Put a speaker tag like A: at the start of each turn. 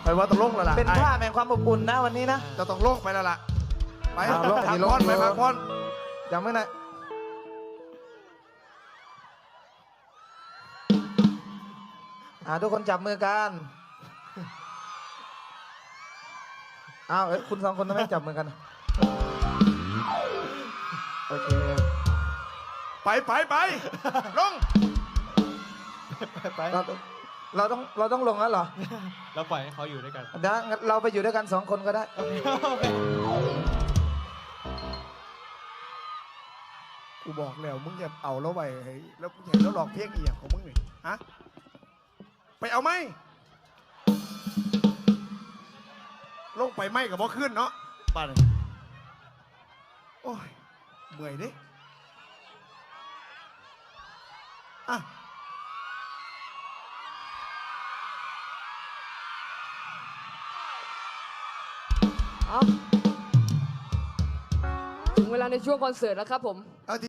A: ว่าต้องลงแล้วล่ะ
B: เป็นผ้าแห่งความอบอุ่นนะวันนี้นะ
A: จะต้องลงไปแล้วล่ะไป
B: ลง
A: พัก
B: ลง
A: ผ่อนไปพักผ่อน
B: จำไว้นะทุกคนจับมือกันอ้าวคุณสองคนทำไมจับมือกันโอเค
A: ไปลง
C: ไป
B: เราต้องลงแล้วเหรอ
C: เราปล่อยให้เขาอยู่ด้วยกัน
B: เดี๋ยวงั้นเราไปอยู่ด้วยกันสองคนก็ได้
A: กูบอกแล้วมึงอย่าเอาแล้วไปแล้วมึงเห็นแล้วหลอกเพี้ยงอีกของมึงนี่ฮะไปเอาไหมลงไปไหมกับบ่ขึ้นเนาะป่านโอ้ยเมื่อยดิอ่ะ
D: เอาถึงเวลาในช่วงคอนเสิร์ตแล้วครับผม
A: เอาจ